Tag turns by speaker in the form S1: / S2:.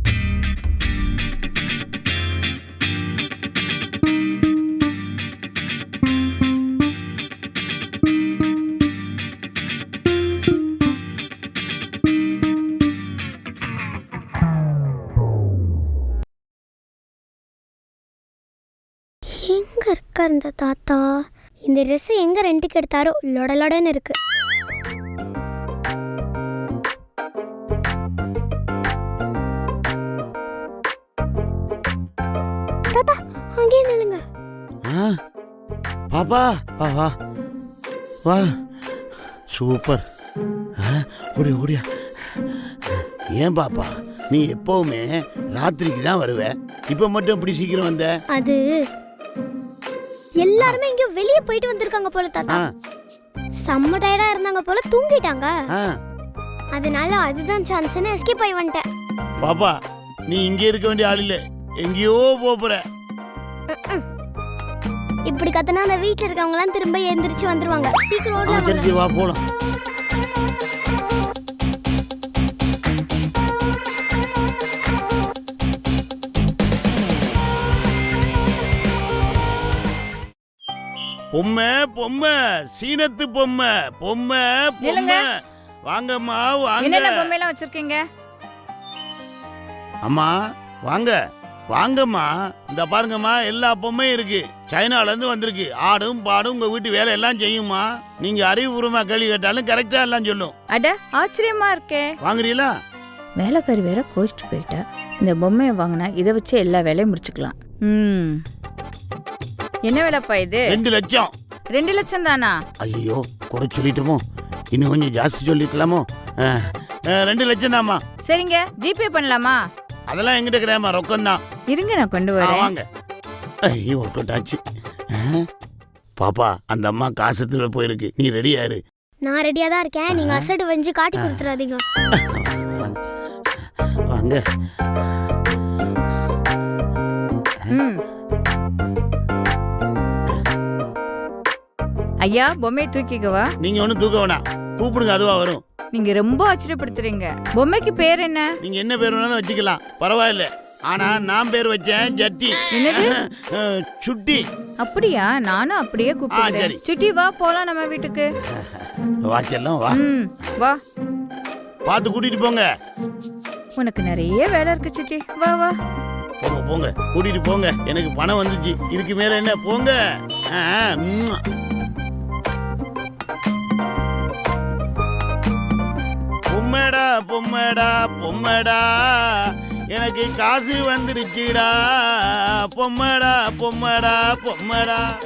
S1: எங்க இருக்கார் இந்த தாத்தா? இந்த ட்ரெஸ் எங்க ரெண்டுக்கு எடுத்தாரோ லொடலொடன்னு இருக்கு. தாத்தா அங்கேயே நில்லுங்க.
S2: பாப்பா வா வா வா, சூப்பர். ஓடியா ஓடியா. ஏன் பாப்பா நீ எப்பவுமே ராத்திரிக்கு தான் வருவ, இப்ப மட்டும் இப்படி சீக்கிரம் வந்த?
S1: அது எல்லாருமே இங்க வெளிய போயிட்டு வந்திருக்காங்க போல தாத்தா. செம்ம டயர்டா இருந்தாங்க போல, தூங்கிட்டாங்க. அதனால அதுதான் சான்ஸ்னு எஸ்கேப் ஆகி வந்துட்டேன்.
S2: பாப்பா நீ இங்க இருக்க வேண்டிய ஆள் இல்ல, எங்கேயோ போற.
S1: இப்படி கத்தனா அந்த வீட்ல இருக்கவங்க எல்லாம் திரும்ப எந்திரிச்சு வந்துருவாங்க. சீக்கிரம் ஓடலாம்.
S2: சரி வா போலாம். பொம்மை பொம்மை, சீனத்து பொம்மை பொம்மை பொம்மை. வாங்கம்மா வாங்க.
S3: என்னென்ன பொம்மை எல்லாம் வச்சிருக்கீங்க?
S2: அம்மா வாங்க வாங்கம்மா, இந்த பாருங்கம்மா எல்லா பொம்மையும் இருக்கு. சைனால இருந்து வந்திருக்கு. ஆடும் பாடும் உங்க வீட்டு வேலை எல்லாம் செய்யுமா. நீங்க அறிவுபூர்வமா கேள்வி கேட்டாலும் கரெக்டா எல்லாம் சொல்லும்.
S3: அட ஆச்சரியமா இருக்கே.
S2: வாங்குறீங்களா?
S3: வேலைக்காரி வேற கோச்சிட்டு போயிட்டா. இந்த பொம்மையை வாங்கினா இதை வச்சு எல்லா வேலையும் முடிச்சுக்கலாம். என்ன வேலைப்பா இது?
S2: 2 லட்சம்.
S3: 2 லட்சம் தானா?
S2: ஐயோ குறை சொல்லிட்டோமோ, இன்னும் கொஞ்சம் ஜாஸ்தி சொல்லிக்கலாமோ. 2 லட்சம் தான்மா.
S3: சரிங்க, ஜிபே பண்ணலாமா?
S2: அதெல்லாம் எங்கிட்ட கிடையாமா, ரொக்கம் தான்.
S3: இருங்க நான் கொண்டு வரேன்.
S2: வாங்க. ஐயோ ஒர்க் அவுட் ஆச்சு. பாப்பா அந்த அம்மா காசத்துல போயிருக்கு, நீ ரெடியா இரு.
S1: நான் ரெடியா தான் இருக்கேன். நீங்க அசடு வஞ்சி காட்டி கொடுத்துறாதீங்க.
S2: வாங்க.
S3: ஐயா பொம்மையை தூக்கிக்கவா?
S2: நீங்க ஒண்ணு தூக்க வேணாம், கூப்பிடுங்க அதுவா வரும்.
S3: நீங்க ரொம்ப ஆச்சரியப்படுத்துறீங்க. பொம்மைக்கு பேர் என்ன?
S2: நீங்க என்ன பேர் வேணாலும் வச்சுக்கலாம், பரவாயில்ல. ஆனா நான் பேர் வச்சேன் ஜட்டி.
S3: என்னது?
S2: சுட்டி.
S3: அப்படியா? நானும் அப்படியே கூப்பிடுறேன். சுட்டி வா போலாம் நம்ம வீட்டுக்கு.
S2: வாச்செல்லாம் வா.
S3: வா.
S2: பார்த்து கூட்டிட்டு போங்க.
S3: உனக்கு நிறைய வேலை இருக்கு சுட்டி, வா வா.
S2: போங்க போங்க, கூட்டிட்டு போங்க. எனக்கு பணம் வந்துச்சு, இதுக்கு மேல என்ன, போங்க. பொம்மடா பொம்மடா பொம்மடா, எனக்கு காசு வந்துருச்சுடா. பொம்மடா பொம்மடா பொம்மடா.